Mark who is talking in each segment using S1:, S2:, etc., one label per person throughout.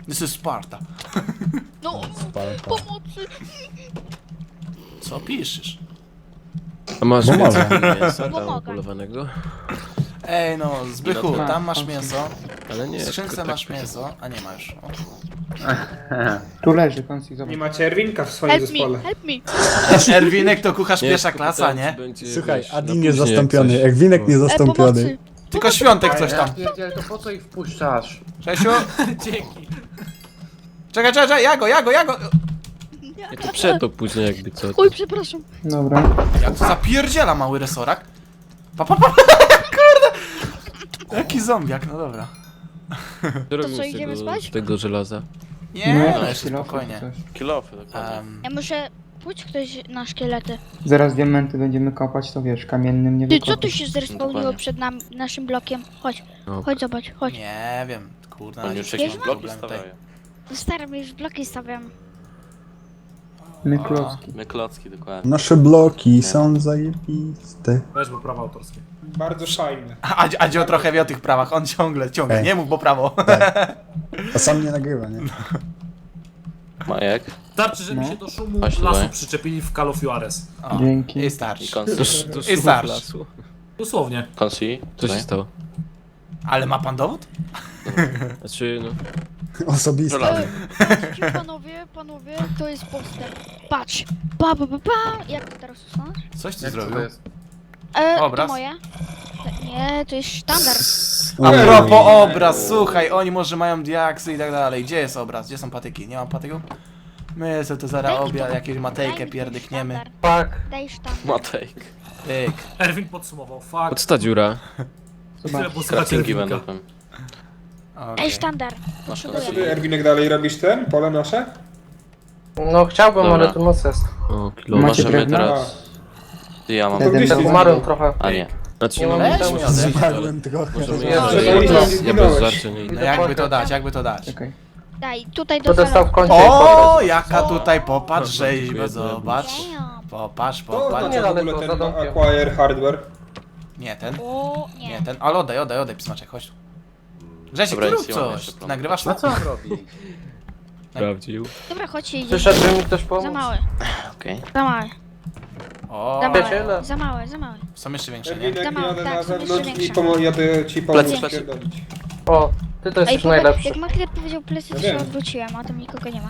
S1: This is Sparta.
S2: No,
S3: Sparta.
S2: pomocy!
S1: Co piszesz?
S4: A masz
S3: Bo
S4: więcej
S3: mogę.
S4: mięsa tam
S2: Pomogę.
S4: polowanego?
S1: Ej no, Zbychu,
S4: No to-
S1: tam masz mięso.
S4: Ale nie,
S1: W skrzynce
S4: tylko
S1: masz
S4: tak-
S1: mięso, a nie ma już. O.
S5: Tu leży, Konsti, zobacz.
S6: Nie macie Erwinka w swoim
S2: Help me,
S6: zespole.
S2: help me!
S1: Erwinek to kucharz
S4: Nie,
S1: pierwsza
S4: tylko
S1: klasa,
S4: pytałem,
S1: nie?
S4: czy będzie,
S3: Słuchaj,
S4: wiesz,
S3: Adi
S4: na później, jak
S3: niezastąpiony,
S4: coś.
S3: Egwinek
S2: pomocy!
S3: niezastąpiony.
S1: Tylko Świątek coś tam.
S5: pierdziel, to po co ich wpuszczasz?
S1: Czesiu? Dzięki. Czekaj, ja go!
S4: Nie, to przetop później jakby co.
S2: Oj, przepraszam.
S5: Dobra.
S1: Jak to zapierdziela mały resorak? Kurde! Jaki zombiak, no dobra.
S4: Co robimy
S2: co,
S4: z
S2: idziemy
S4: tego,
S2: spać?
S4: z tego żelaza?
S1: Nie, no
S5: jakiś
S1: jeszcze
S5: kilof
S1: spokojnie.
S5: coś.
S4: Kilofy, dokładnie.
S2: Ja muszę... Pójdź ktoś na szkielety.
S5: Zaraz diamenty będziemy kopać, to wiesz, kamiennym nie
S2: Ty, co
S5: wykopiesz.
S2: tu się zrespawniło
S4: Dokładnie.
S2: przed naszym blokiem? Chodź,
S4: No.
S2: chodź zobacz, chodź.
S1: Nie wiem, kurde,
S4: Oni
S1: na
S4: już
S1: razie
S4: jakieś
S1: mam
S4: bloki
S1: problem tutaj.
S4: stawiają.
S2: No stary, my już bloki stawiam.
S5: My klocki.
S4: My klocki, dokładnie.
S3: Nasze bloki są zajebiste.
S7: Weź, bo prawa autorskie.
S6: Bardzo fajne.
S1: A Dzio trochę wie o tych prawach, on ciągle,
S3: Ej.
S1: nie mów, bo prawo.
S3: A sam nie nagrywa, nie?
S4: Majek?
S7: Starczy, żeby
S5: No.
S7: się do szumu
S4: Chodź
S7: lasu
S4: tutaj.
S7: przyczepili w Call of Juarez.
S1: O,
S5: Dzięki.
S1: I
S4: I
S1: starczy.
S4: Konsi.
S1: I starczy.
S7: Dosłownie.
S4: Konsi? Co się stało?
S1: Ale ma pan dowód?
S4: Znaczy, no...
S3: Osobiste.
S2: Patrzcie, panowie, to jest poster. Patrz. Pa. Jak to teraz usuniesz?
S1: Coś ty
S5: Jak to
S1: zrobił.
S5: jest?
S1: Obraz?
S2: To moje? Nie, to jest sztandar.
S1: A propos obraz, słuchaj, oni może mają diaksy i tak dalej. Gdzie jest obraz? Gdzie są patyki? Nie mam patyków? My sobie to zaraz
S2: Daj mi
S1: obiad,
S2: to.
S1: jakieś
S2: Daj
S1: matejkę
S2: mi ten
S1: pierdykniemy.
S2: sztandar. Daj sztandar.
S4: Matejk.
S1: Pyk.
S7: Erwin podsumował. Fuck.
S4: Pod ta dziura.
S7: Tyle
S5: Zobacz.
S7: posłuchać
S4: Craftingi będą
S7: Erwinka.
S4: tam.
S1: Okej.
S2: Daj sztandar.
S4: Masz
S6: Co
S4: Konsi.
S6: ty, Erwinek, dalej robisz ten? Pole nasze?
S8: No chciałbym,
S4: Dobra.
S8: ale to noc jest.
S4: O, kilo.
S5: Macie
S4: Możemy
S5: drewno?
S4: teraz... Ja mam...
S6: To gdzieś
S5: Jeden
S6: ty
S8: Umarłem
S6: zaginął.
S8: trochę.
S4: A nie. Znaczy,
S8: Nie
S4: no,
S8: mam
S1: Weź
S8: tam-
S1: mi odejść.
S3: Zmarłem trochę.
S4: Możemy
S8: Ja
S4: ja
S8: bez-
S4: ja bez żarcia nie
S1: No
S4: idę.
S1: jakby to dać?
S5: Czekaj.
S2: Daj, tutaj do
S8: To dostał w końcu.
S1: O, jaka tutaj popatrz rzeźba,
S4: Dziękuję.
S1: zobacz.
S2: Damn.
S1: Popatrz,
S6: To
S1: popatrz.
S8: nie
S6: znaczy w
S8: daleko,
S6: ogóle
S8: za
S6: ten
S8: domkiem.
S6: acquire hardware.
S1: Nie ten,
S2: O,
S1: nie
S2: nie.
S1: ten, ale oddaj, psmaczek, chodź tu. Grzesiek,
S4: Dobra,
S1: ty
S4: nic
S1: rób
S4: nie mam
S1: coś,
S4: jeszcze,
S1: ty nagrywasz
S8: No
S1: to?
S8: co on robi?
S4: Sprawdził.
S2: Dobra, chodźcie, idziemy.
S8: Przyszedł, żeby mi ktoś
S2: Za
S8: pomóc.
S2: małe,
S4: Okej.
S2: za małe,
S1: O,
S2: za
S8: Przyjaciele.
S2: małe, za małe, za małe.
S1: są jeszcze większe, nie?
S6: Erwinek,
S2: Za mało,
S6: jadę
S2: tak,
S6: na
S2: są jeszcze
S6: zewnątrz i
S2: większe.
S6: jadę ci pomóc
S4: Plecy.
S6: pierdolić.
S8: O, ty to jesteś najlepszy.
S2: Jak Makler powiedział plecy, to
S6: Ja
S2: się
S6: wiem.
S2: odwróciłem, a tam nikogo nie ma.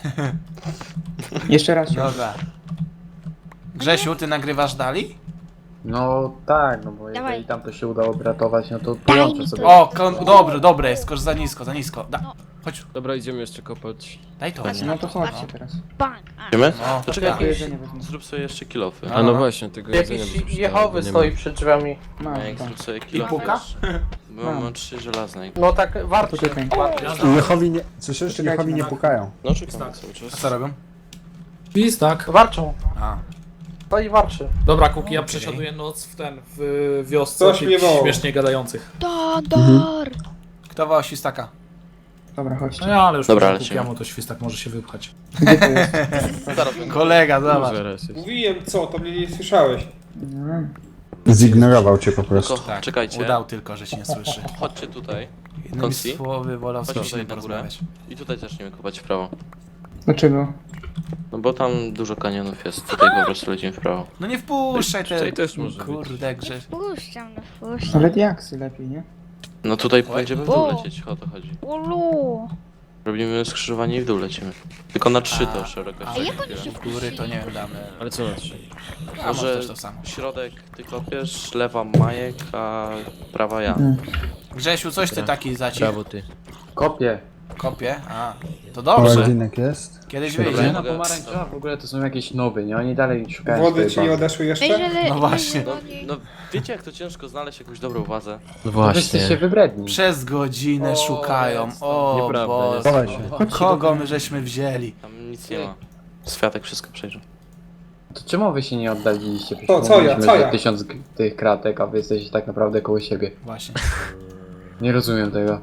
S5: Jeszcze raz.
S1: Dobra. Grzesiu, ty nagrywasz dalej?
S9: No tak, no bo
S2: Dawaj.
S9: jeżeli tam to się udało obratować, no to
S2: Daj
S9: połączę
S2: mi
S9: sobie.
S2: to.
S1: O, dobre jest, tylko że za nisko.
S2: No.
S1: Chodź,
S4: Dobra, idziemy jeszcze kopać.
S1: daj to.
S2: Patrz,
S5: No to chodźcie teraz.
S2: Bang. A.
S4: Idziemy?
S1: No,
S4: To czekaj,
S1: tak.
S5: To
S4: jakieś...
S5: jedzenie wezmę.
S4: Zrób sobie jeszcze kilofy.
S1: No,
S4: A no
S1: no.
S4: właśnie, tego jedzenia by się
S8: Jakiś
S4: przydało,
S8: Jehowy
S4: bo nie
S8: stoi
S4: ma.
S8: przed drzwiami.
S5: Mam,
S4: A jak
S5: tak.
S4: zrób sobie kilofy.
S1: puka?
S4: Bo mam 3 żelazne.
S8: No tak, warto.
S5: Poczekaj.
S3: Jehowi nie... Słyszysz? Jehowi nie pukają.
S4: No czekam cały
S1: A
S4: czas.
S1: co robią?
S7: Pis, tak.
S8: Warczą.
S1: A,
S8: To i warczy.
S7: Dobra, Kuki, ja
S1: Okej.
S7: przesiaduję noc w ten, w wiosce
S6: Coś
S7: tych
S6: mnie woła.
S7: śmiesznie gadających.
S2: Dodor.
S1: kto woła świstaka?
S5: Dobra,
S7: No
S5: chodźcie.
S7: ja, ale już
S4: Dobra,
S7: Dobra,
S4: lecimy.
S7: Kukiemu to świstak może się wypchać.
S5: Gdzie to jest?
S4: Zaraz będę.
S1: Kolega, zobacz.
S4: Zaraz jest.
S6: Mówiłem co, to mnie nie słyszałeś.
S5: No.
S3: Zignorował cię po prostu.
S4: Tylko
S1: Tak,
S4: czekajcie.
S1: udał tylko, że cię nie słyszy.
S4: Chodźcie tutaj.
S1: Innymi
S4: Konsi?
S1: słowy, wolał z
S4: Chodź
S1: kimś
S4: tutaj
S1: nie
S4: na górę.
S1: porozmawiać.
S4: I tutaj zaczniemy kopać w prawo.
S5: Dlaczego?
S4: No bo tam dużo kanionów jest. Tutaj po prostu lecimy w prawo.
S1: No nie wpuszczaj te...
S4: Tutaj też może być.
S1: Kurde, Grześ.
S2: Wpuszczam, no wpuszczam.
S5: Ale diaksy lepiej, nie?
S4: No tutaj
S1: Oj.
S4: będziemy w dół lecieć, o to chodzi.
S2: Ulu.
S4: Robimy skrzyżowanie i w dół lecimy. Tylko na 3 to szerokość.
S2: A jak
S4: tak
S2: oni się
S4: chwilę.
S1: W góry to nie wiem, damy.
S4: Ale co na 3?
S1: A może
S4: Może
S1: też to samo.
S4: środek ty kopiesz, lewa Majek, a prawa ja.
S1: Grzesiu, coś ty taki zacił.
S4: Prawo ty.
S9: Kopię.
S1: Kopie? A, to
S3: O,
S1: dobrze.
S3: Egwinek jest.
S1: Kiedyś
S4: Dobra,
S1: wyjdzie.
S9: Nie
S4: ja
S9: no,
S4: mogę-
S9: pomarańczowa w ogóle to są jakieś noby, nie? Oni dalej szukają
S6: Wody
S9: swojej
S6: ci nie
S9: bazy.
S6: odeszły jeszcze?
S2: Jeżeli,
S1: No właśnie.
S4: No, no wiecie jak to ciężko znaleźć jakąś dobrą wazę? No
S9: Wy jesteście wybredni.
S1: Przez godzinę
S6: O,
S1: szukają.
S6: jest
S1: O
S4: Nieprawda,
S1: Boże.
S4: jest.
S3: Dawaj się.
S1: Kogo my żeśmy wzięli?
S4: Tam nic nie ma. Światek wszystko przejrzy.
S9: To czemu wy się nie oddaliliście? Przecież
S6: Co ja,
S9: mówiliśmy,
S6: co
S9: że
S6: ja?
S9: 1000 tych kratek, a wy jesteście tak naprawdę koło siebie.
S1: Właśnie.
S9: Nie rozumiem tego.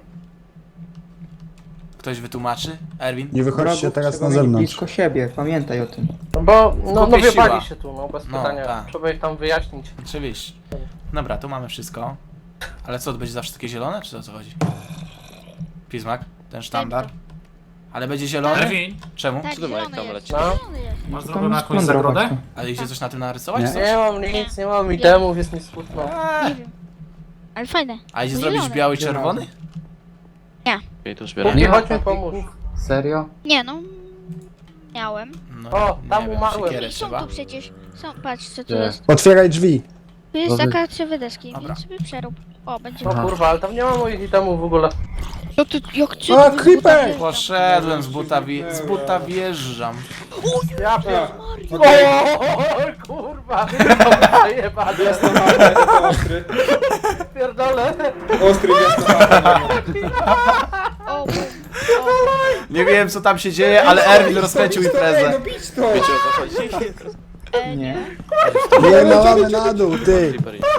S1: Ktoś wytłumaczy? Erwin?
S3: Nie wychodźcie
S5: Wrogów
S3: teraz
S5: trzeba
S3: na
S5: mieć
S3: zewnątrz.
S5: blisko siebie, pamiętaj o tym.
S8: No bo, no
S1: Kupię
S8: wypali
S1: siła.
S8: się tu, no bez
S1: No,
S8: pytania.
S1: tak.
S8: Trzeba ich tam wyjaśnić.
S1: Oczywiście. Dobra, tu mamy wszystko. Ale co, to będzie zawsze takie zielone, czy o co chodzi? Pismak? Ten sztandar? Ale będzie zielony?
S7: Erwin,
S1: Czemu?
S2: Tak,
S4: Co ty, Majek,
S2: zielony
S4: tam
S2: jest.
S4: leci?
S8: No.
S2: Zielony jest.
S7: masz
S5: Tam
S7: zrobioną
S5: jest
S7: jakąś
S5: kondro,
S7: zagrodę?
S5: patrz.
S1: Ale idzie coś na tym narysować?
S3: Nie.
S1: Coś?
S8: Nie mam nic, nie mam itemów, jest mi smutno.
S2: Nie wiem. Ale fajne.
S1: A idzie
S2: No
S1: zrobić
S2: zielony.
S1: biały i czerwony?
S4: Okej, to zbieram.
S8: Nie,
S9: ma
S8: chodź mi
S9: patyków?
S8: pomóż.
S9: Serio?
S2: Nie no. Miałem.
S1: No,
S8: O, tam
S1: nie wiem,
S8: umarłem.
S1: siekierę
S2: I są
S1: trzeba.
S2: tu przecież. Patrz co tu
S9: Gdzie?
S2: jest.
S3: Otwieraj drzwi.
S2: Tu jest
S9: Dobra.
S2: taka 3 deski,
S1: Dobra.
S2: więc sobie przerób. O, będzie.
S8: No kurwa, ale tam nie ma moich itemów w ogóle.
S2: No ty, jak ty
S3: A,
S2: tu z
S3: creeper!
S2: buta wjeżdżasz?
S1: Poszedłem z buta wjeżdżam.
S8: Ja
S6: A,
S8: pier...
S6: okej.
S8: O, kurwa! To przejebane.
S6: Jasnohardy, to ostry.
S8: Pierdolę.
S6: Ostry jasnohardy.
S2: O, bum.
S1: Nie wiem co tam się dzieje, ale Erwin rozkręcił
S6: Ej,
S1: imprezę.
S6: no bić to!
S4: Wiecie o co chodzi?
S5: Nie.
S3: Nie, no mamy na dół, ty.
S4: Creeper jest.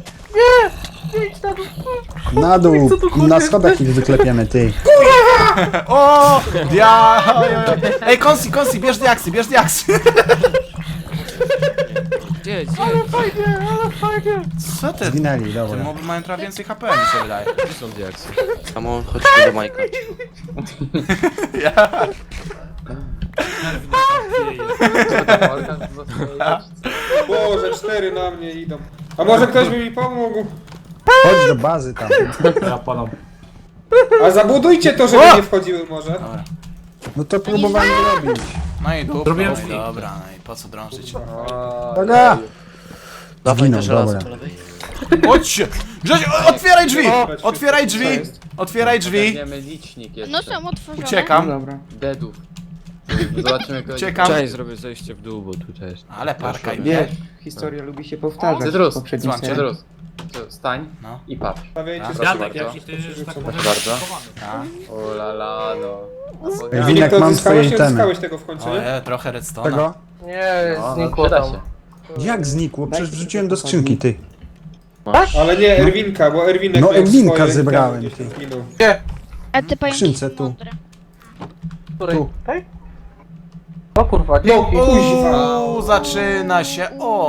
S3: Na dół. Na schodach ich wyklepiemy, ty.
S1: O! Ej, Konsi, bierz diaksy, bierz diaksy.
S4: Gdzie?
S8: Ale fajnie.
S1: Co ty?
S3: Zginęli,
S1: Te
S3: dobra.
S1: moby mają trochę więcej HP, mi się wydaje.
S4: Gdzie są diaksy? Samo chodźmy do Majka.
S6: Boże, 4 na mnie idą. A może ktoś by mi pomógł?
S3: Chodź do bazy tam.
S7: Ja padam.
S6: A zabudujcie to, żeby nie wchodziły może.
S1: Dobra.
S3: No to próbowali robić.
S1: No i dupa,
S7: Zrobiłem
S1: no i
S7: drzwi.
S1: dobra, no i po co drążyć?
S3: Dobra.
S4: Dawaj
S3: Zginął,
S4: na żelazo
S3: dobra.
S4: po lewej.
S1: Chodźcie! Grzesiu, otwieraj drzwi! Otwieraj drzwi!
S6: Co jest?
S1: Otwieraj drzwi!
S9: Weźmiemy licznik jeszcze.
S2: No są otworzone.
S5: No
S1: Uciekam.
S5: dobra.
S9: Deadów. Zobaczymy kogoś.
S1: Uciekam.
S10: Cześć, zrobię zejście w dół, bo tu też.
S1: Ale parka i
S5: Wiesz, historia lubi się powtarzać
S9: Cydrus,
S5: w poprzedniej
S1: dzwońcie.
S5: serii.
S9: Cedrus. Stań
S1: No.
S9: i patrz.
S6: Stawiajcie
S1: Tak.
S6: sobie
S7: Jadek,
S6: takie.
S7: jaki ty, że tak powiem,
S9: Proszę bardzo.
S7: schowany.
S1: A?
S9: O la la, no.
S3: Ej,
S6: A
S3: Winek,
S6: to
S3: mam
S6: odzyskałeś,
S3: swoje
S6: nie
S3: itemy.
S6: odzyskałeś tego w końcu, nie?
S1: Oje, trochę redstone'a.
S3: Tego?
S8: Nie,
S9: No,
S8: znikło
S9: przyda
S8: tam.
S9: się.
S3: Jak znikło? Przecież wrzuciłem do skrzynki, ty.
S6: Ale nie Erwinka, bo Erwinek
S3: No,
S6: miał
S3: Erwinka
S6: swoje
S3: zebrałem,
S6: itemy, gdzieś
S3: ty.
S6: zginął.
S8: Gdzie?
S2: A ty pająki
S3: skrzynce
S2: są
S3: tu.
S2: mądre.
S8: Której?
S3: Tu.
S8: Tej? O kurwa,
S6: No,
S8: dzięki.
S1: Uuu, zaczyna się.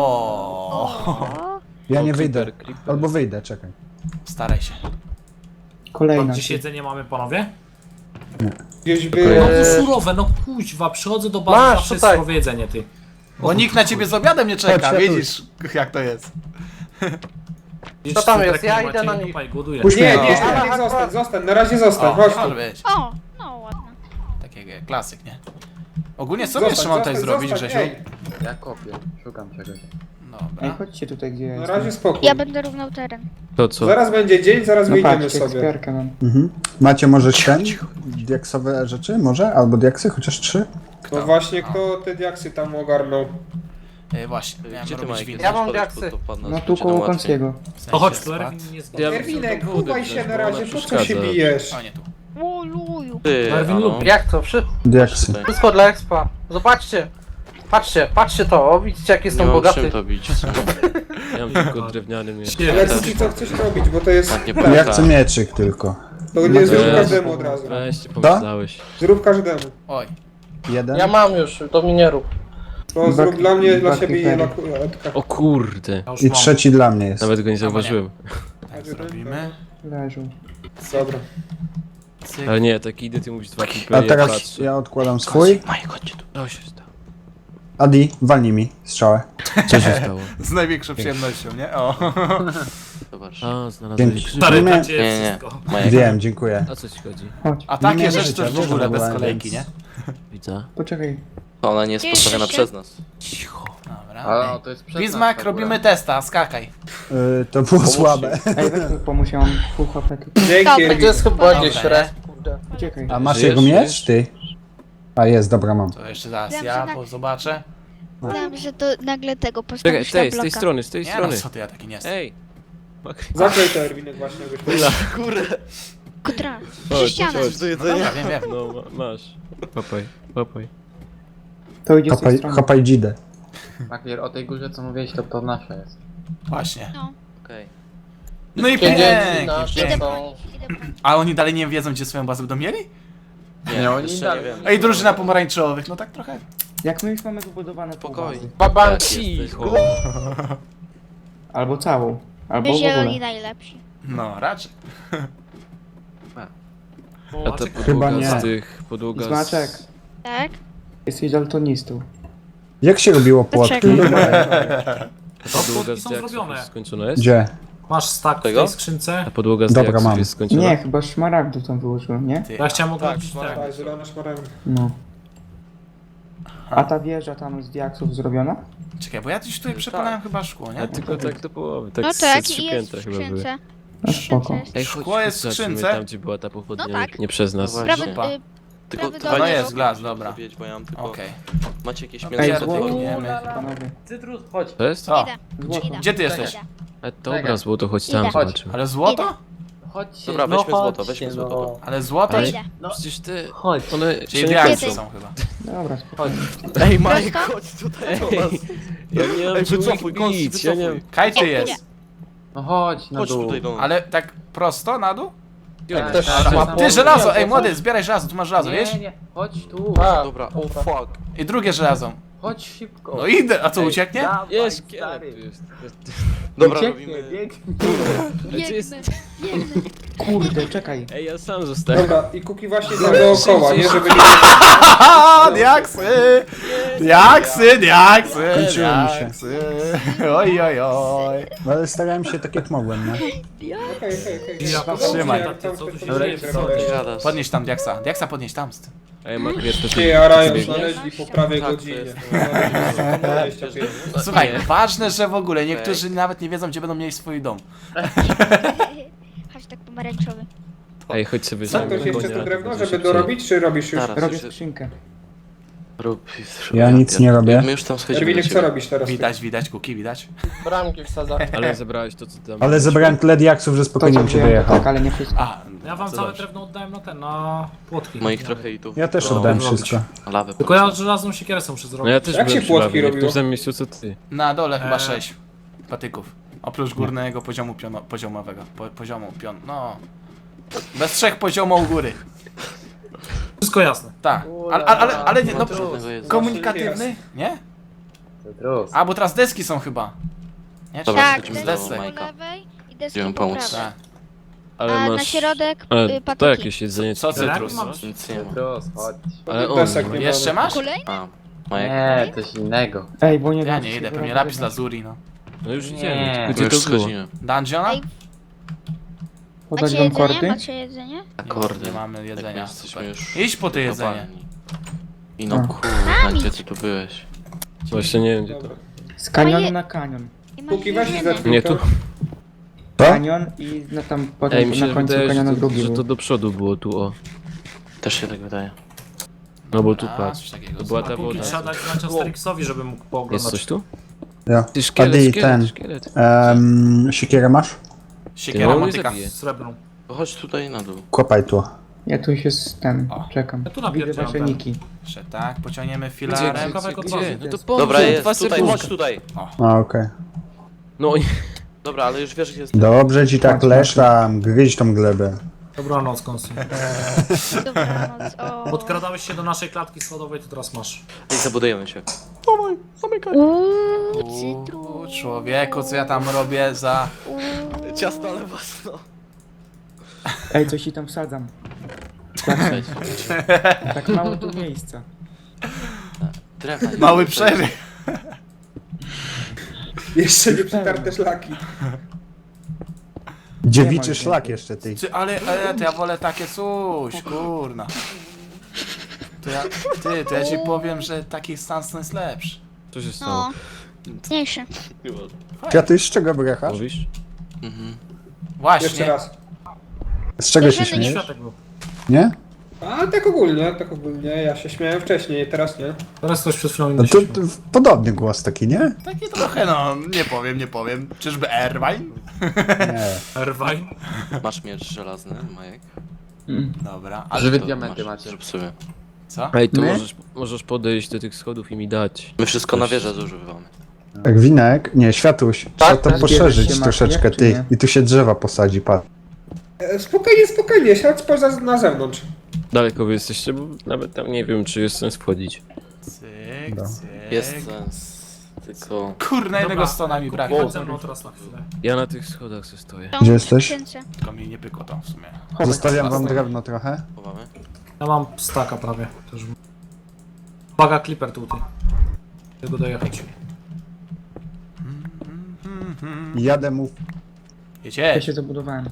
S1: O!
S3: Ja nie wyjdę. Albo wyjdę, czekaj.
S1: Staraj się.
S7: To
S5: Kolejna.
S7: gdzieś jedzenie mamy, panowie?
S6: Gdzieś
S7: No
S6: by...
S7: to surowe, no kuźwa, przychodzę do bazy,
S8: Masz,
S7: zawsze jest
S8: tutaj.
S7: surowe jedzenie, ty.
S1: Bo nikt na ciebie z obiadem nie czeka,
S3: Chodź,
S1: widzisz jak to jest.
S7: Widzisz,
S8: tam
S7: że
S8: jest?
S7: tak
S8: Ja
S7: nie
S8: idę
S7: macie,
S8: na nich.
S7: kopaj, głoduję.
S3: Puść
S6: Nie,
S3: mnie,
S6: nie,
S3: puść mnie.
S6: nie, zostań, na razie zostań,
S1: O,
S6: chodź tu.
S1: może być.
S2: O, no ładne.
S1: Taki klasyk, nie? Ogólnie co
S6: Zostań,
S1: jeszcze mam tutaj
S6: zostań,
S1: zrobić,
S6: zostań,
S1: Grzesiu?
S6: ej.
S9: Ja kopię, szukam czegoś.
S5: Ej,
S1: Dobra.
S5: chodźcie tutaj, gdzie ja
S6: Na
S5: jestem.
S6: razie spokój.
S2: Ja będę równał teren.
S10: To co?
S6: Zaraz będzie dzień, zaraz
S5: No
S6: wyjdziemy
S5: patrzcie,
S6: sobie.
S5: ekspiarkę mam.
S3: Mhm. Macie może ten? Diaksowe rzeczy? Może? Albo diaksy? Chociaż 3?
S6: No właśnie, kto te diaksy tam ogarnął?
S1: Właśnie, miałem
S4: Gdzie ty,
S1: robić
S4: Majek?
S1: windę.
S8: Ja mam
S4: Spadek,
S8: diaksy.
S4: to wpadnę,
S5: No
S4: żeby
S5: tu
S4: cię
S5: koło
S4: tam łatwiej.
S5: Konskiego.
S1: W sensie
S7: To chodź, tu
S1: spadł.
S7: Erwin nie zgadza.
S10: Ja bym
S6: Erwinek,
S10: chciał do wody
S6: chowaj się
S10: wziąć,
S6: na
S10: bo ona
S6: razie, po co się
S10: przeszkadza.
S6: bijesz?
S1: O, nie tu.
S2: Oluju.
S4: Ty,
S7: Erwin
S4: a no.
S7: lubi.
S8: Jak to?
S3: Diaksy.
S8: Wszystko dla expa. Zobaczcie. Patrzcie to, o, widzicie jak
S4: Nie
S8: jestem
S4: mam
S8: bogaty.
S4: czym to bić.
S10: Ja mam tylko drewniany miecz.
S6: Ale Kuki, co chcesz robić, bo to jest...
S4: Tak, nie
S3: Ja
S4: pamiętam.
S3: chcę mieczyk tylko.
S6: To nie zrób
S10: Weź.
S6: każdemu od razu.
S10: Weźcie, pomyślałeś.
S6: Zrób każdemu.
S1: Oj.
S3: Jeden?
S8: Ja mam już, to mi nie rób.
S6: To zrób dla mnie, dla siebie i
S5: Creepery.
S6: dla Edka.
S10: O kurde.
S7: Ja już
S3: I
S7: mam.
S3: trzeci dla mnie jest.
S10: Nawet go nie zauważyłem.
S1: Tak zrobimy.
S5: Leżą.
S6: Dobra.
S1: Cyk.
S10: Ale nie, taki idę, ty mówisz dwa
S3: A
S10: creepery, ja
S3: teraz
S10: patrzę.
S3: ja odkładam swój.
S1: Majek, chodźcie tu.
S10: Co się stało?
S3: Adi, walnij mi strzałę.
S10: Co się stało?
S1: Z największą przyjemnością, nie? O.
S4: Zobacz.
S10: A, znalazłem
S3: Dzięki.
S10: krzyż.
S7: Stary,
S3: Nie,
S7: dacie
S4: nie, nie.
S7: wszystko.
S4: Majek.
S3: Wiem, dziękuję.
S10: A co ci chodzi?
S5: Chodź.
S1: A
S3: Nie
S1: takie
S3: miałem
S1: rzeczy
S3: życia,
S1: to w
S3: wiesz,
S1: ogóle
S3: że
S1: bez
S3: byłem,
S1: kolejki,
S3: więc-
S1: nie?
S10: Widzę.
S5: Poczekaj.
S4: To ona nie jest
S2: Gdzie
S4: postawiona
S2: jesteście?
S4: przez nas.
S10: Cicho.
S1: Dobra.
S9: A, to jest przed nas
S1: Bismarck,
S9: ta góra.
S1: robimy testa, skakaj.
S3: To było słabe.
S5: Ej, weź mi pomóż, ja mam full HP. tu.
S6: Dzięki,
S2: Dobra.
S8: To
S6: Erwin.
S8: jest chyba gdzieś
S1: Dobra.
S8: res, kurde.
S5: Uciekaj.
S3: A masz
S10: Żyjesz,
S3: jego miecz,
S10: żyjesz?
S3: ty? A jest, dobra, mam.
S1: To jeszcze zaraz
S2: Wiem,
S1: ja
S2: że tak.
S1: zobaczę.
S2: Wiem, że to nagle tego
S10: Czekaj,
S2: postawisz na
S10: z tej
S2: bloka.
S10: strony, z tej
S1: Nie no,
S10: strony.
S1: co ty, ja taki nie jestem.
S10: Ej!
S6: Zaklej to Erwinek właśnie, jakbyś...
S2: Kutra.
S10: Chodź,
S2: Przy ścianę.
S10: chodź.
S1: No dobra, wiem, wiem.
S10: No, masz. Papaj, papaj.
S5: To idzie z tej
S3: Hopaj,
S5: strony.
S3: hopaj dzidę.
S9: Maklier, o tej górze co mówiłeś, to nasza jest.
S1: Właśnie.
S2: No.
S4: Okej.
S1: No i
S8: Pieniędzy
S1: pięknie.
S8: nasze
S2: Idę
S8: są.
S2: po nich, idę po nich.
S1: A oni dalej nie wiedzą, gdzie swoją bazę będą mieli?
S9: Nie, oni
S4: jeszcze
S9: dalej.
S4: nie wiem.
S1: Ej, drużyna pomarańczowych, no tak trochę.
S5: Jak my już mamy wybudowane pół
S4: Spokojnie.
S5: bazy.
S8: Babank.
S10: Cicho.
S5: Albo całą. Albo w
S2: Zieloni
S5: ogóle.
S2: najlepsi.
S1: No, raczej.
S10: A ta
S7: Maciek,
S3: Chyba
S10: podłoga
S3: nie.
S10: z tych... Podłoga
S5: Zmaczek,
S10: z...
S2: Tak?
S5: jesteś daltonistą.
S3: Jak się robiło płotki?
S2: Poczekaj.
S10: Podłoga
S7: Płotki
S10: z
S7: są
S10: diaksów
S7: zrobione.
S10: już skończona jest?
S3: Gdzie?
S7: Masz stack w
S4: Tego?
S7: tej skrzynce.
S10: A podłoga z
S3: Dobra,
S10: diaksów
S3: mam.
S10: jest skończona?
S5: Nie, chyba szmaragdu tam wyłożyłem, nie?
S1: Ty,
S7: Ja chciałem
S6: Tak,
S7: odrobić ten.
S6: tak, zielone szmaragdy.
S5: No. A ta wieża tam z diaksów zrobiona?
S1: czekaj, bo ja już tutaj przepalałem chyba szkło,
S10: A
S1: nie?
S10: tylko tak do połowy, tak
S2: No
S10: z
S2: tak,
S10: trzy
S2: i jest
S10: piętra
S2: w
S10: chyba były.
S2: skrzynce.
S5: No spoko.
S10: Ej,
S1: Szkło jest w
S10: zobaczymy
S1: skrzynce.
S10: tam, gdzie była ta pochodnia,
S2: No tak.
S10: nie przez nas.
S4: No
S2: Prawy,
S1: Zupa.
S4: Tylko
S2: Prawy
S4: dwa
S2: dolny
S1: jest
S2: róg.
S1: glas, dobra.
S4: Zrobić, bo ja mam tylko...
S1: Okej.
S4: Macie jakieś
S1: Ej,
S4: mięso?
S5: Ej,
S4: do
S5: złoto.
S4: tego?
S1: Biegniemy.
S5: Panowie.
S8: Cytrus, chodź.
S10: To jest?
S1: O,
S2: Idę.
S5: Złoto.
S2: Idę.
S1: gdzie ty jesteś?
S2: Idę.
S10: Dobra, złoto, chodź tam,
S2: Idę.
S10: zobaczymy.
S1: Ale złoto?
S9: Chodźcie.
S4: Dobra,
S8: No
S4: weźmy złoto,
S8: chodźcie,
S4: weźmy
S8: no.
S4: złoto.
S1: Ale złoto?
S10: Ale-
S2: Idę.
S10: Przecież te...
S8: Chodź.
S10: One
S1: Czyli
S10: się nie
S1: diaksy
S10: kończą.
S1: są chyba.
S5: Dobra, spoko.
S8: Chodź.
S10: Ej, Majek,
S2: Prosto?
S10: chodź tutaj do nas. Ja nie mam
S4: Ej,
S10: czym
S4: wycofuj,
S10: ich
S4: Konsti,
S10: bić, ja nie
S4: wycofuj.
S10: wiem.
S1: Kajty jest.
S9: No chodź na
S4: Chodź
S9: dół.
S4: tutaj do nas.
S1: Ale tak prosto na dół?
S8: Też
S9: tak,
S8: szła
S9: tak.
S1: Ty,
S8: po-
S1: żelazo, ej
S8: Nie,
S1: młody, zbieraj żelazo, tu masz żelazo, wiesz?
S9: Nie, chodź tu.
S8: A,
S4: Dobra, o fuck.
S1: I drugie żelazo.
S9: Chodź szybko.
S1: No idę, a co, ucieknie?
S8: dawaj,
S10: Jest,
S8: stary.
S10: szkielet tu jest.
S4: Dobra,
S9: Ucieknie,
S4: robimy...
S9: biegnie.
S2: Biegnę. Biegnę.
S5: Kurde, czekaj.
S10: Ej, ja sam zostałem.
S6: Dobra, i Kuki właśnie tam dookoła, nie? Żeby nie...
S1: Haha, diaksy! Diaksy, diaksy,
S3: Kończyło mi się.
S1: diaksy. Oj, oj, oj.
S3: No, ale starałem się tak jak mogłem, nie?
S6: Okej, okej.
S7: Ja
S6: No
S1: trzymaj.
S6: dobrze, tam
S7: Co tu się
S6: coś
S7: dzieje?
S6: zrobię.
S7: Co ty
S4: Gadasz.
S1: Podnieś tam diaksa. Diaksa podnieś tam.
S10: Ej, Makwier, to
S6: Ty, a Ryan
S10: ty
S6: znaleźli po prawej
S4: Tak, to
S6: godzinie.
S4: jest.
S6: 25.
S1: Słuchaj, ważne, że w ogóle niektórzy nawet nie wiedzą, gdzie będą mieli swój dom.
S2: Hashtag pomarańczowy.
S10: Ej, chodź sobie
S6: Co,
S10: za
S6: ktoś jeszcze tu drewno,
S10: będzie
S6: żeby
S10: szybciej.
S6: dorobić, czy robisz już?
S4: Teraz
S5: Robię
S4: już...
S5: skrzynkę.
S4: Rób...
S3: Ja nic nie robię.
S4: My już tam schodzimy do
S6: Erwinek, co
S4: ciebie.
S6: robisz teraz?
S1: Widać, Kuki, widać.
S8: Bramki wsadza.
S10: Ale zebrałeś to, co tam...
S3: Ale zebrałem tyle diaksów, że
S5: To
S3: spokojnie
S5: co
S3: bym cię
S5: wziąłem, to
S3: dojechał.
S5: tak, ale nie wszystko.
S1: A,
S7: Ja wam
S1: to
S7: całe
S1: dobrze.
S7: drewno oddałem na ten, na płotki.
S4: Moich trochę i tu.
S3: Ja też
S7: No,
S3: oddałem
S7: robić.
S3: wszystko.
S4: Lawę
S7: Tylko ja żelazną siekierę są muszę
S10: No
S7: zrobić.
S10: ja też
S6: Jak się
S10: byłem
S6: płotki
S10: przy babie, w
S6: robiło?
S10: tym samym miejscu, co ty.
S1: Na dole chyba
S7: Eee.
S1: 6 patyków. Oprócz górnego poziomu poziomowego. Poziomu no. Bez 3 poziomów u góry.
S7: Wszystko jasne.
S1: Tak. Ale nie, no,
S4: Żadnego jest.
S1: komunikatywny? Nie?
S9: Cytrus.
S1: A, bo teraz deski są chyba. Nie?
S4: Dobra,
S2: Tak,
S4: schodzimy
S1: z
S2: deski
S1: desek.
S2: po
S4: Majka.
S2: lewej i deski
S4: Idziemy
S2: po
S4: pomóc.
S2: prawej.
S1: Tak.
S10: Ale
S2: A
S10: masz...
S2: na środek
S10: Ale to
S2: patyki.
S10: jakieś jedzenie,
S1: Co
S10: ty-
S1: cytrus?
S7: Mam-
S4: Nic nie ma.
S9: Cytrus, chodź.
S10: Ale on...
S6: Desek nie
S1: Jeszcze
S6: mamy.
S1: masz?
S2: Kolej?
S4: A, Majek.
S9: Nie, coś innego.
S5: Ej, bo nie
S1: Ja
S5: wiem,
S1: nie
S5: czy
S1: idę,
S5: się
S1: pewnie
S5: wyrobię.
S1: lapis lazuli, no.
S10: No już
S9: Nie.
S10: idziemy,
S4: My
S10: gdzie
S4: już
S10: to było?
S4: schodzimy.
S1: Dungeona?
S2: Ej,
S5: Podać
S2: macie
S5: wam
S2: jedzenie?
S5: kordy?
S2: Macie jedzenie?
S4: Akordy.
S1: Nie mamy
S4: Jak my
S1: jedzenia.
S4: jesteśmy
S1: Super.
S4: już...
S1: Idź po to jedzenie.
S4: kopalni. I no
S5: A.
S4: kurwa, gdzie ty tu byłeś?
S10: Właśnie nie wiem, gdzie to...
S6: Dobra.
S5: Z kanionu
S2: Moje-
S5: na kanion.
S2: I masz
S6: Kuki, weź i
S2: jedzenie.
S6: zetnij
S10: Nie,
S6: to.
S10: tu...
S5: Kanion i na tam
S10: Ej,
S5: potem
S10: mi się
S5: na końcu
S10: wydaje,
S5: kanionu
S10: że to,
S5: drugi
S10: że
S5: był.
S10: to do przodu było tu, o.
S4: Też się tak wydaje.
S10: No bo tu
S1: A,
S10: patrz.
S1: coś takiego.
S10: To była
S7: A
S10: ta
S7: póki
S10: woda.
S7: trzeba dać znać Asterixowi, żeby mógł
S10: Jest
S7: pooglądać.
S10: coś tu?
S3: Ja.
S10: Ty szkielet,
S3: Adi,
S10: szkielet,
S3: ten.
S10: szkielet.
S3: Siekierę masz?
S1: Siekiera,
S10: No, nie
S1: motyka.
S10: zabiję.
S7: Srebrną.
S4: To chodź tutaj na dół.
S3: Kopaj tu.
S5: Ja tu się z ten,
S1: O.
S5: czekam.
S7: Ja tu
S5: Widzę
S7: napierdzielam
S5: wasze
S7: ten.
S5: niki.
S1: Jeszcze tak, pociągniemy
S10: Gdzie,
S1: filarem.
S7: Kawałek od
S10: gdzie?
S7: bazy.
S10: No to
S5: Dobra,
S10: pomóż,
S4: Dobra,
S10: dwa
S4: jest tutaj,
S10: sekundki.
S4: chodź tutaj.
S3: A, okej.
S10: No i...
S4: Dobra, ale już wiesz gdzie jest.
S3: Dobrze ci tak leszam, gryź tą glebę.
S7: Dobranoc, Konsti.
S2: Dobranoc. O.
S7: Podkradałeś się do naszej klatki schodowej, to teraz masz.
S4: I zabudujemy się.
S2: Uuu,
S1: Uuu,
S2: cytrus.
S1: człowieku, co ja tam robię za...
S2: Uuu.
S4: Ciasto, ale własno.
S5: Ej, coś ci tam wsadzam. Tak mało tu miejsca.
S4: Drewna. nie
S1: Mały
S4: ma.
S1: przeryw.
S6: Jeszcze nie przetarte szlaki.
S3: Dziewiczy
S5: ma
S3: szlak jeszcze ty.
S1: Ty, ale to ja wolę takie coś, kurna. To ja ci powiem, że taki Stanson jest lepszy.
S10: Co się stało?
S2: No, mniejszy.
S3: Kwiaty, z czego brechasz?
S10: Mówisz?
S4: Mhm.
S6: Jeszcze
S1: Właśnie.
S6: raz.
S3: Z czego się
S2: Bierzemy
S3: śmiejesz?
S7: Światek był.
S3: Nie?
S6: A tak ogólnie. Ja się śmiałem wcześniej, teraz nie.
S7: Teraz ktoś przed chwilą
S3: No
S7: inny
S3: to,
S7: się
S3: to podobny głos taki, nie?
S1: Taki trochę, no, nie powiem. Czyżby Erwine?
S3: Nie.
S7: Erwine.
S4: Masz miecz żelazny, Majek?
S1: Dobra, ale
S9: Żywe
S4: To
S9: diamenty
S4: masz,
S9: macie.
S4: Zrób sobie.
S1: co?
S10: Ej, to
S5: My?
S10: możesz podejść do tych schodów i mi dać.
S4: My wszystko na wieżę zużywamy.
S3: Jak winek, nie, światuś. Trzeba to
S5: tak,
S3: poszerzyć
S5: bierze się
S3: troszeczkę,
S5: makiet, czy
S3: ty.
S5: nie?
S3: I tu się drzewa posadzi, patrz.
S6: Spokojnie, siadź poza na zewnątrz.
S10: Daleko wy jesteście, bo nawet tam nie wiem, czy jest sens wchodzić.
S1: Cyk,
S3: No.
S1: cyk.
S4: Jest sens. tylko...
S1: Kurna, jednego stona mi brakło.
S7: Chodź ze mną teraz na chwilę.
S10: Ja na tych schodach se stoję.
S3: Gdzie jesteś?
S1: Tylko mi nie pykło tam w sumie.
S3: Zostawiam wam drewno trochę.
S4: Chowamy?
S7: Ja mam staka prawie. Też. Uwaga, Clipper tutaj. Tego dojechać.
S3: Jadę mu.
S1: Wiecie?
S5: Ja się zabudowałem.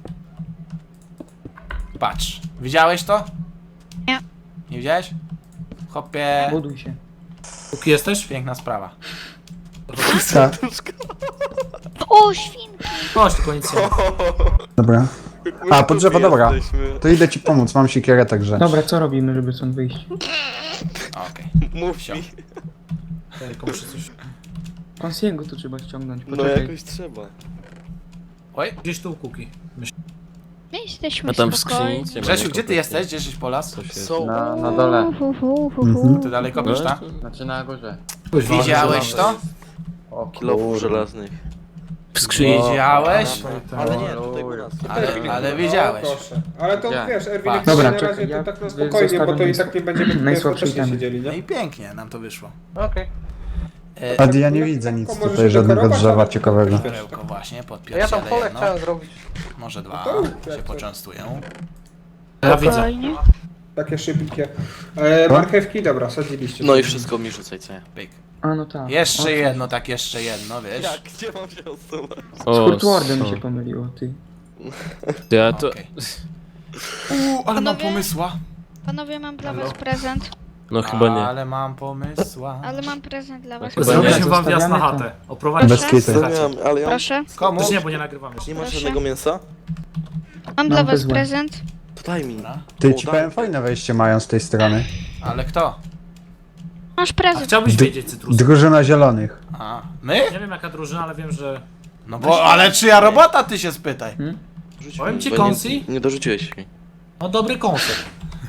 S1: Patrz. Widziałeś to?
S2: Nie.
S1: Nie widziałeś? Hopie.
S5: Buduj się.
S7: Póki jesteś?
S1: Piękna sprawa.
S3: Tak,
S2: O, świnki!
S7: Chodź, tylko nic nie ma.
S3: dobra. A, po drzewo, dobra.
S4: Jesteśmy.
S3: To idę ci pomóc, mam siekierę, także.
S5: Dobra, co robimy, żeby stąd wyjść?
S1: Okej.
S4: Mów
S1: Wsio.
S4: mi.
S7: Tylko muszę coś...
S5: Konsiego tu trzeba ściągnąć,
S4: No
S5: poczekaj.
S4: jakoś trzeba.
S1: Oj.
S7: Gdzieś tu kuki.
S2: My jesteśmy
S10: A tam w
S2: spokojni.
S10: skrzyni nic nie ma.
S1: Grzesiu,
S10: nie
S1: gdzie ty
S10: kopytnie.
S1: jesteś? Gdzie jesteś Polas?
S10: Coś jest.
S4: Są.
S9: Na dole.
S1: Ty dalej kopiesz, tak?
S9: Znaczy na górze.
S7: Kuźwa,
S1: Widziałeś to?
S9: O
S4: Kilofów żelaznych.
S10: W skrzyni.
S1: Widziałeś?
S4: Ale nie, tutaj u nas.
S1: Ale wiedziałeś.
S6: O, proszę. Ale to
S9: Gdzie?
S6: wiesz, Erwinek,
S1: Patrz.
S6: na
S5: Dobra,
S6: razie
S5: czekaj,
S6: to
S5: ja
S6: tak na
S5: zostawiam
S6: spokojnie, bo to i
S5: najsłabszy-
S6: tak nie będziemy tutaj
S5: najsłabszy
S6: skutecznie
S5: item.
S6: siedzieli,
S1: No
S6: nie?
S1: i pięknie nam to wyszło.
S8: Okej.
S3: Adi, ja nie widzę nic
S6: Możesz
S3: tutaj, żadnego
S6: dekorować,
S3: drzewa
S6: ale-
S3: ciekawego.
S1: Perełko właśnie,
S8: Ja
S1: podpierdzielę
S8: tam pole
S1: jedno.
S8: chciałem zrobić.
S1: Może dwa
S6: to
S1: się
S6: jak to?
S1: poczęstują.
S7: Ja widzę.
S2: Spokojnie.
S6: Takie szybkie. Marchewki, dobra, sadziliście.
S4: No i wszystko mi rzucaj, co ja.
S1: Pyk.
S5: A no tak.
S1: Jeszcze jedno, tak jeszcze jedno, wiesz?
S4: Jak? Gdzie mam się odsuwać?
S5: Z
S10: O,
S5: Hurtwardem mi
S10: so.
S5: się pomyliło, ty.
S10: Ja to...
S1: Okej. Ale mam
S2: Panowie?
S1: pomysła.
S2: Panowie, mam dla was prezent.
S10: No chyba nie.
S1: Ale mam pomysła.
S2: Ale mam prezent dla was.
S10: Chyba
S7: Zrobiliśmy
S5: nie.
S7: wam wjazd na
S5: Zostawiamy
S7: chatę. Oprowadź
S3: Bez
S2: Proszę?
S3: kitu.
S4: Ale ja
S2: Proszę.
S1: Komu?
S7: Też nie, bo nie nagrywamy jeszcze.
S4: nie ma
S2: Proszę.
S4: żadnego mięsa?
S2: Mam dla was
S5: bezłę.
S2: prezent.
S4: To daj mi.
S1: Dobra.
S3: Ty,
S4: O,
S3: ci
S4: daj.
S3: powiem, fajne wejście mają z tej strony.
S1: Ale kto?
S2: Masz
S7: A
S2: prezent.
S7: chciałbyś wiedzieć, Cytrus.
S3: Drużyna zielonych.
S1: A, my?
S7: Nie wiem jaka drużyna, ale wiem, że...
S1: No bo, ale czyja robota, ty się spytaj.
S4: Rzuć
S7: Powiem
S4: mi,
S7: ci,
S4: bo
S7: Konsi?
S4: nie dorzuciłeś mi.
S7: No dobry koncept.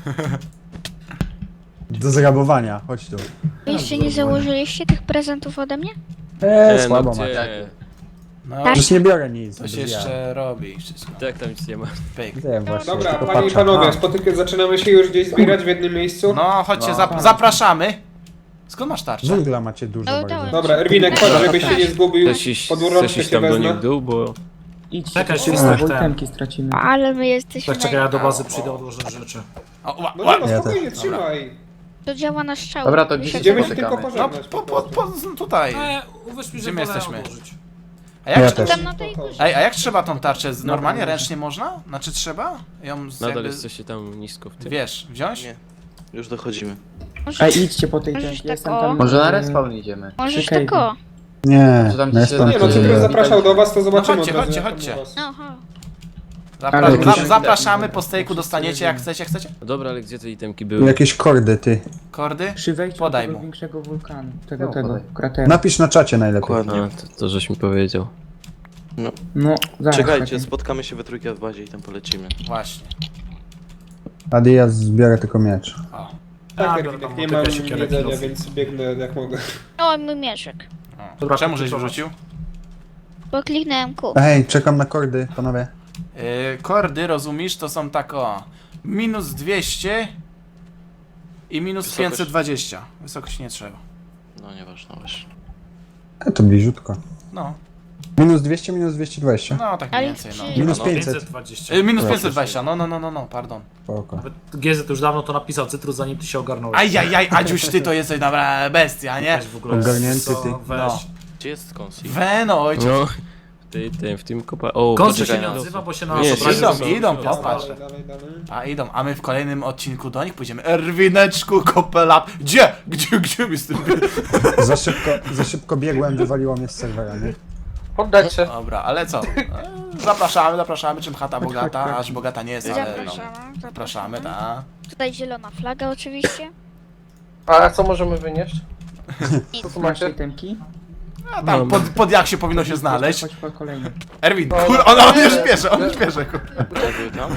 S3: Do zrabowania, chodź tu.
S2: Wy jeszcze nie założyliście tych prezentów ode mnie?
S3: Słabo
S10: gdzie?
S3: macie.
S1: No,
S3: Przecież nie biorę nic.
S1: coś
S3: bez ja.
S1: jeszcze robi wszystko.
S10: Tak, tam nic nie ma.
S1: Pyk.
S3: Wiem właśnie,
S6: Dobra,
S3: tylko
S6: panie i
S3: patrzę.
S6: panowie, zaczynamy się już gdzieś zbierać w jednym miejscu.
S1: No, chodźcie, zapraszamy. Skąd masz tarczę?
S3: Węgla macie dużo
S2: No,
S3: bardzo.
S2: dałem.
S6: Dobra, Erwinek, chodź, żebyś się nie zgubił.
S10: Chcesz iść,
S6: Pod
S10: chcesz
S6: urączkę
S10: iść
S6: się
S10: tam do nich
S6: wezmę.
S10: w dół, bo...
S5: Idźcie,
S7: Czekaj,
S5: szybko,
S7: Świstak,
S5: bo
S7: ten.
S5: itemki stracimy.
S2: Ale my jesteśmy
S7: Tak, czekaj, ja do
S2: na...
S7: bazy przyjdę odłożyć rzeczy.
S1: O,
S6: No nie, no
S3: Ja
S6: spokojnie,
S3: też.
S6: trzymaj.
S2: To działa na strzał.
S9: Dobra, to
S2: Wy
S9: gdzie
S2: się
S6: Idziemy się
S9: Spotykamy.
S6: tylko
S1: no,
S6: pożegnać.
S1: tutaj.
S7: Uwierz mi,
S1: Gdzie
S7: że
S1: my
S7: wolę
S1: jesteśmy?
S7: odłożyć.
S1: A jak,
S3: Ja
S1: trzeba-
S3: też.
S2: tam na tej górze.
S1: Ej, a jak trzeba tą tarczę? Normalnie, ręcznie można? Znaczy trzeba? Ją z
S10: Nadal
S1: jakby,
S10: jesteście tam nisko w tym.
S1: wiesz, wziąć?
S4: Nie. Już dochodzimy.
S5: Ej, idźcie po tej
S2: Możesz
S5: tempie,
S2: tak
S5: jestem
S2: o.
S5: tam...
S9: Może na respawn idziemy.
S2: Możesz
S5: Czekaj.
S2: tak o.
S3: Nie,
S9: Że tam
S3: no
S9: ci się
S3: jest pan
S6: Nie no,
S9: Czy-
S6: Cytrus zapraszał do was, to zobaczymy.
S1: chodźcie,
S6: od razu,
S1: chodźcie,
S6: jak tam
S1: chodźcie.
S6: u was.
S2: Aha.
S5: Ale jakieś-
S1: Zapraszamy, po stejku dostaniecie jak chcecie, chcecie?
S10: No dobra, ale gdzie te itemki były?
S3: Jakieś kordy, ty.
S1: Kordy?
S5: Przy wejściu
S1: Podaj
S5: do tego
S1: mu.
S5: większego wulkanu. Tego,
S9: No,
S5: tego,
S9: podaj.
S5: krateru.
S3: Napisz na czacie najlepiej.
S4: Dokładnie.
S10: A, to żeś mi powiedział.
S5: No, zaraz.
S4: Czekajcie,
S5: czekaj.
S4: spotkamy się we trójkę w bazie i tam polecimy.
S1: Właśnie.
S3: Adi, ja zbiorę tylko miecz.
S1: O.
S6: Tak,
S7: Ja
S6: Erwinek,
S7: biorę tam
S6: nie
S7: motykę,
S6: mam
S7: siekierę,
S6: jedzenia,
S7: kilof.
S6: więc biegnę jak mogę.
S2: O, mój mieszek.
S1: O.
S7: Dobra,
S1: Czemu żeś
S7: kluczowa.
S1: wyrzucił?
S2: Bo kliknąłem Q.
S3: Ej, czekam na kordy, panowie.
S1: Kordy, rozumiesz, to są tak o... Minus 200 i minus
S4: Wysokość.
S1: 520. Wysokość nie trzeba.
S4: No nieważne właśnie.
S3: To bliziutko.
S1: No,
S3: Minus 200, minus 220.
S1: no tak mniej
S2: Ale
S1: więcej, no.
S2: czy-
S3: Minus
S4: No,
S3: 500.
S7: 520.
S1: Minus 520, no, pardon.
S3: Spoko.
S7: Nawet GZ już dawno to napisał, Cytrus, zanim ty się ogarnąłeś.
S1: Ajajaj, Adziuś, ty to jesteś dobra bestia, nie?
S7: Weź w ogóle.
S3: Ogarnięty
S7: co,
S3: ty.
S7: Weź.
S1: No.
S4: Gdzie jest Konsi?
S1: Weno, ojciec.
S10: No, w tym kopa... O,
S7: Koncy się
S4: poczekaj,
S7: nie
S4: no.
S7: odzywa, bo się na
S10: Nie,
S7: nas obraził,
S1: idą,
S7: że-
S1: idą,
S7: Ja
S1: popatrz.
S7: sprawdzę.
S6: Dalej, dalej.
S1: A idą, a my w kolejnym odcinku do nich pójdziemy. Erwineczku, kopelap. Gdzie mi z tym?
S3: Za szybko biegłem, wywaliło mnie z serwera, nie?
S8: Poddać się.
S1: Dobra, ale co? Zapraszamy, czym chata bogata, aż bogata nie jest, ale no.
S2: Zapraszamy.
S1: Zapraszamy, tak.
S2: Tutaj zielona flaga oczywiście.
S8: A co możemy wynieść?
S2: Nic.
S8: Co tu
S5: Masz
S8: macie?
S5: itemki?
S1: A tam pod jak się powinno się znaleźć.
S5: Chodź po kolejny.
S1: Erwin, kur, on nie śpieszy, kur.
S4: Były tam?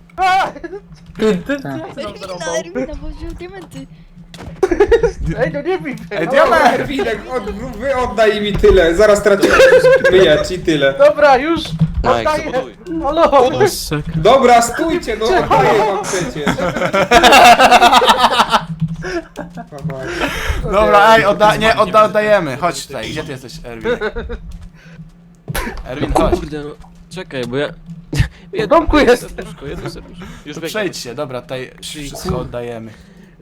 S2: Erwina, bo wziął diamenty.
S8: Ej, no nie bij.
S1: Ej,
S6: Dobra,
S1: diament!
S6: Erwinek, wy oddaj mi tyle, zaraz tracimy myjać i tyle.
S8: Dobra, już.
S4: Mike,
S8: Oddaję.
S4: zabuduj.
S8: Halo.
S6: Dobra, stójcie, no oddaję wam przecież.
S1: Dobra, ej, oddajemy. Chodź tutaj, gdzie ty jesteś, Erwin? Erwin, chodź.
S10: Kurde, no. Czekaj, bo ja...
S8: W domku jest.
S10: Jedno serduszko. Już
S1: To
S10: biegnę.
S1: przejdź się, dobra, tutaj wszystko oddajemy.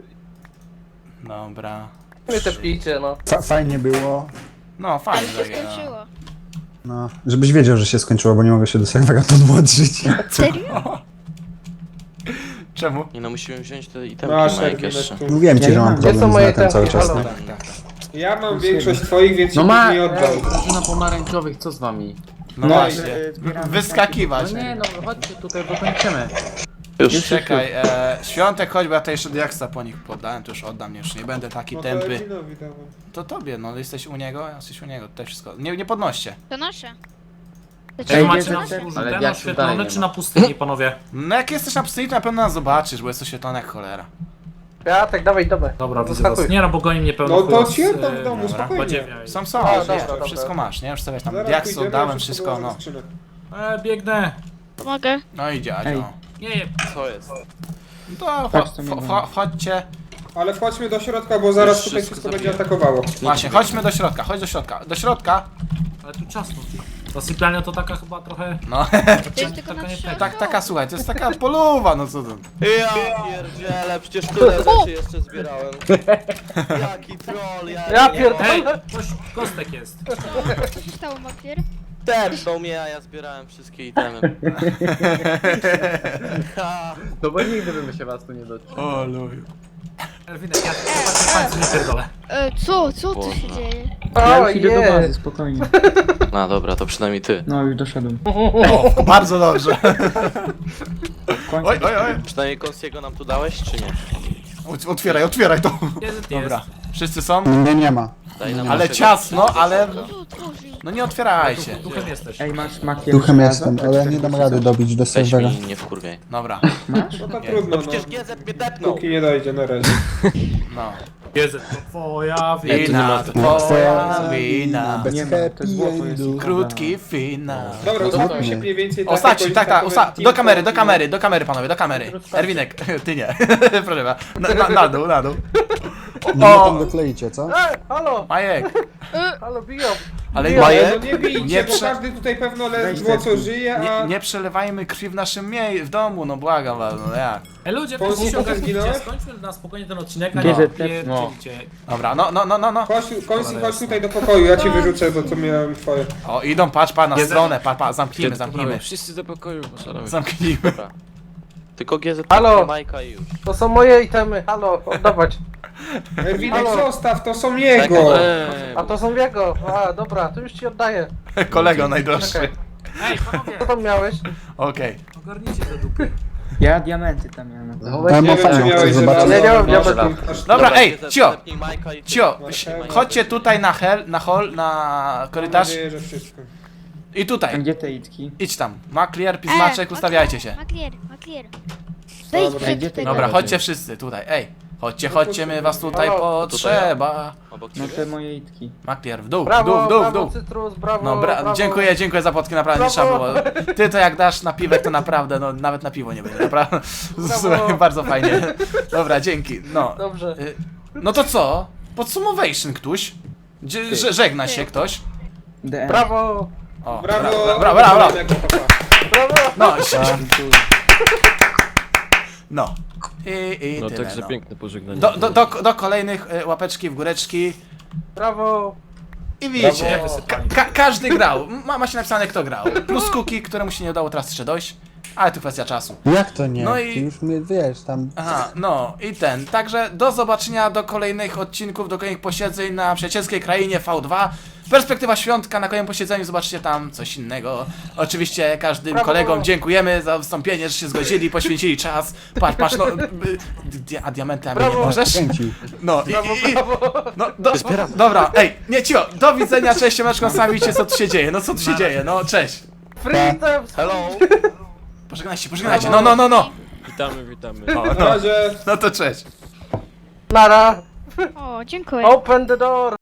S1: Dobra.
S8: Mnie te pijcie, no.
S3: Fajnie było.
S1: No, fajnie.
S2: Ale się
S1: takie, no.
S2: skończyło.
S3: No, żebyś wiedział, że się skończyło, bo nie mogę się do serwera podłączyć.
S2: Serio?
S1: Czemu?
S4: Nie no, musimy wziąć te itemki
S6: Masz
S4: Majek
S6: Erwinek
S4: jeszcze.
S6: tu.
S3: Mówiłem ci,
S5: Ja
S3: że
S5: nie
S3: mam
S5: mam.
S8: Gdzie są
S3: problem z
S8: moje
S3: netem cały
S8: temki?
S3: czas.
S8: Halo?
S3: nie?
S6: Ja mam większość twoich, więc
S9: No
S6: no
S9: ma!
S6: nie oddał.
S9: Drużyna pomarańczowych, co z wami?
S1: No
S6: No,
S1: właśnie.
S5: zbieramy
S1: Wyskakiwać.
S9: No nie, no chodźcie tutaj, bo kończymy.
S4: Już.
S1: Czekaj, Świątek, chodź, bo ja tutaj jeszcze diaksa po nich poddałem, to już oddam, już nie będę taki
S6: No to
S1: tępy.
S6: Erwinowi dawaj.
S1: To tobie, no jesteś u niego, jesteś u niego, tutaj wszystko. Nie podnoście.
S2: To nasze. To
S7: Czy
S5: Ej,
S7: macie
S5: bierze
S7: na
S5: ten-
S7: wzgórzu
S9: ale
S7: ten
S9: jak
S7: oświetlony,
S9: tutaj nie
S7: czy
S9: ma.
S7: na pustyni, panowie?
S1: No jak jesteś na pustyni, to na pewno nas zobaczysz, bo jest oświetlone jak cholera.
S8: Ja tak, dawaj, dawaj.
S7: Dobra, widzę
S8: Zaskakuj.
S7: was. Nie no, bo goni mnie pełno
S6: No to
S7: chłop
S6: ci
S7: z,
S6: oddam w domu,
S1: dobra,
S6: spokojnie.
S7: badziewia i-
S1: Są,
S8: A,
S1: wiesz,
S8: dobra, dobra.
S1: wszystko masz, nie? Już sobie tam
S6: Zaraz
S1: diaksy
S6: pójdziemy,
S1: oddałem,
S6: wszystko
S1: wszystko,
S6: było
S1: no.
S6: ze skrzynek.
S7: Biegnę.
S2: Pomogę.
S1: No i
S5: Ej.
S1: dziadzio.
S7: Nie,
S4: Co jest?
S1: No to
S5: Patrz, co mi dało.
S1: chodźcie.
S6: Ale wchodźmy do środka, bo zaraz
S4: Już
S6: tutaj
S4: wszystko
S6: wszystko będzie
S4: zabiję.
S6: atakowało.
S1: Właśnie, chodźmy do środka, chodź do środka. Do środka.
S7: ale tu ciasno. Ta sypialnia to taka chyba trochę...
S1: No,
S2: To jest tylko
S7: taka
S2: na
S7: nie
S2: trzy
S1: taka, słuchaj, to jest taka poluwa, no co to.
S4: Ja pierdzielę, przecież tyle rzeczy jeszcze zbierałem. Jaki troll,
S8: Ja pierdolę.
S7: Ej, coś, kostek jest.
S2: Co się stało, Makier?
S4: Tepnął mnie, a ja zbierałem wszystkie itemy. Ha.
S9: No bo nigdy bym się was tu nie dotknął.
S1: O luju.
S7: Erwinek, ja palce nie pierdolę.
S2: Co tu się
S4: Boże.
S2: dzieje?
S5: Ja
S8: O,
S5: już idę do
S8: je.
S5: bazy, spokojnie.
S4: No dobra, to przynajmniej ty.
S5: No już doszedłem.
S1: O, bardzo dobrze.
S5: W końcu.
S1: Oj, oj, oj.
S4: Przynajmniej Konsiego nam tu dałeś, czy nie?
S1: Otwieraj to.
S7: Jest,
S1: Dobra, wszyscy są?
S3: Nie ma.
S4: Daj nam
S1: Ale
S4: naszego
S1: ciasno, ale...
S2: Tu otworzyj.
S1: No nie otwierajcie.
S7: Duchem jesteś.
S5: Ej, masz makier.
S3: Duchem jestem, ale ja nie dam rady dobić do
S4: Weź
S3: serwera.
S4: mi, nie wkurwiaj.
S1: Dobra,
S6: No to trudno, no.
S4: Przecież GZ mnie tepnął.
S6: Póki nie dojdzie na razie.
S1: no.
S7: Jest, to twoja
S1: Wina, to twoja wina.
S3: Bez
S5: Nie ma, to
S3: happy
S5: jest złoto, jest
S3: endu.
S1: Krótki finał.
S6: Dobra,
S3: No to
S6: ustawmy się
S3: nie.
S6: mniej więcej
S1: Ostatni, tak,
S6: jakoś
S1: do
S6: team
S1: kamery, do
S6: talk.
S1: kamery, do kamery, panowie, do kamery. Erwinek, ty nie. Proszę pana. Na dół, na dół.
S3: No tam dokleicie, co?
S8: Halo,
S1: Majek,
S8: halo, biją.
S1: ale
S6: No
S1: Majek,
S6: nie bijcie,
S1: Nie
S6: bo
S1: prze-
S6: każdy tutaj pewno ledwo
S5: Weź
S6: co żyje, a...
S1: nie przelewajmy krwi w naszym w domu, no błagam was, no jak.
S7: Ej ludzie,
S6: Polski
S7: proszę się
S6: pokaz
S7: ogarnijcie,
S6: zginąłeś?
S7: skończmy na spokojnie ten odcinek, a
S5: Bierze
S7: nie
S5: te-
S7: pierdzielicie.
S1: Dobra, no.
S6: Chodź, Konsi, chodź tutaj do pokoju, ja ci wyrzucę, bo to miałem twoje.
S1: O, idą, patrz, na
S7: Jest-
S1: stronę, zamknijmy.
S10: Wszyscy do pokoju, poszalałeś.
S1: Zamknijmy.
S4: Dobra. Tylko GZ
S8: Halo.
S4: tepnął Majka i już.
S8: To są moje itemy, halo, oddawać.
S6: Erwinek,
S8: Halo.
S6: zostaw, to są
S4: Czekaj,
S6: jego!
S8: A to są jego. A, dobra, to już ci oddaję.
S1: Kolego najdroższy.
S8: Czekaj.
S7: Ej, panowie,
S8: Co tam miałeś?
S1: Okej.
S7: ogarnijcie te dupy.
S5: Ja diamenty tam miałem.
S3: Ja
S6: Nie
S3: mam
S6: wiem, czy
S3: fajną,
S6: miałeś
S3: chcę
S6: żelazo,
S3: zobaczyć.
S8: Nie, nie mam
S6: no,
S8: diamentów.
S6: aż-
S1: Dobra, ej,
S4: GZ
S1: cio,
S4: tepnij Majka i-
S1: cio,
S6: Marchewka.
S1: chodźcie tutaj na hall, na
S6: Mam
S1: korytarz
S6: nadzieję, że wszystko.
S1: i
S5: A
S1: tutaj.
S5: gdzie te itki?
S1: Idź tam. Maklier, pismaczek, ustawiajcie się.
S2: Maklier.
S6: Dobra,
S2: Wejdź
S5: gdzie
S2: przed
S5: ty
S2: tego.
S1: Dobra, chodźcie wszyscy tutaj, ej. Chodźcie, my was tutaj
S8: Halo.
S1: potrzeba.
S4: Obok
S5: No
S4: ciebie?
S5: te moje itki.
S1: Maklier, w dół,
S8: Brawo,
S1: w dół.
S8: brawo, Cytrus, brawo,
S1: No
S8: brawo.
S1: dziękuję za podki, naprawdę nie trzeba
S8: Brawo.
S1: było. Ty to jak dasz na piwek, to naprawdę, no nawet na piwo nie będzie, naprawdę. Słuchaj, bardzo fajnie. Dobra, dzięki, no.
S8: Dobrze.
S1: No to co? Podsumowation ktoś? Żegna się ktoś?
S5: DM.
S8: Brawo,
S1: O,
S6: Brawo!
S1: brawo.
S6: Jak to papa.
S8: brawo.
S1: No,
S5: Dziękuję.
S1: no. I
S10: No
S1: tyle,
S10: także
S1: no.
S10: piękne pożegnanie.
S1: Do kolejnych łapeczki w góreczki.
S8: Brawo.
S1: I widzicie,
S7: Brawo.
S1: każdy grał. Ma się napisane kto grał. Plus Kuki, któremu się nie udało teraz jeszcze dojść. Ale to kwestia czasu.
S3: Jak to nie?
S1: No i-
S3: Ty już mnie wiesz, tam...
S1: Aha, no i ten. Także do zobaczenia, do kolejnych odcinków, do kolejnych posiedzeń na przyjacielskiej krainie V2. Perspektywa świątka, na kolejnym posiedzeniu zobaczycie tam coś innego. Oczywiście każdym
S8: Brawo.
S1: kolegom dziękujemy za wystąpienie, że się zgodzili, poświęcili czas. Patrz, no. A diamenty, a mnie nie
S8: Brawo.
S1: możesz?
S3: Kręcił.
S1: No
S8: Brawo,
S1: i
S8: brawo.
S1: no, dobra, ej, nie cicho, do widzenia, cześć, siemeczko, sami widzicie co tu się dzieje, no co tu się dzieje, no cześć.
S8: Freedom.
S4: Hello!
S1: Pożegnajcie, no.
S10: Witamy.
S1: O,
S6: Na
S1: no,
S6: razie!
S1: no to cześć.
S8: Nara.
S2: O, dziękuję.
S8: Open the door.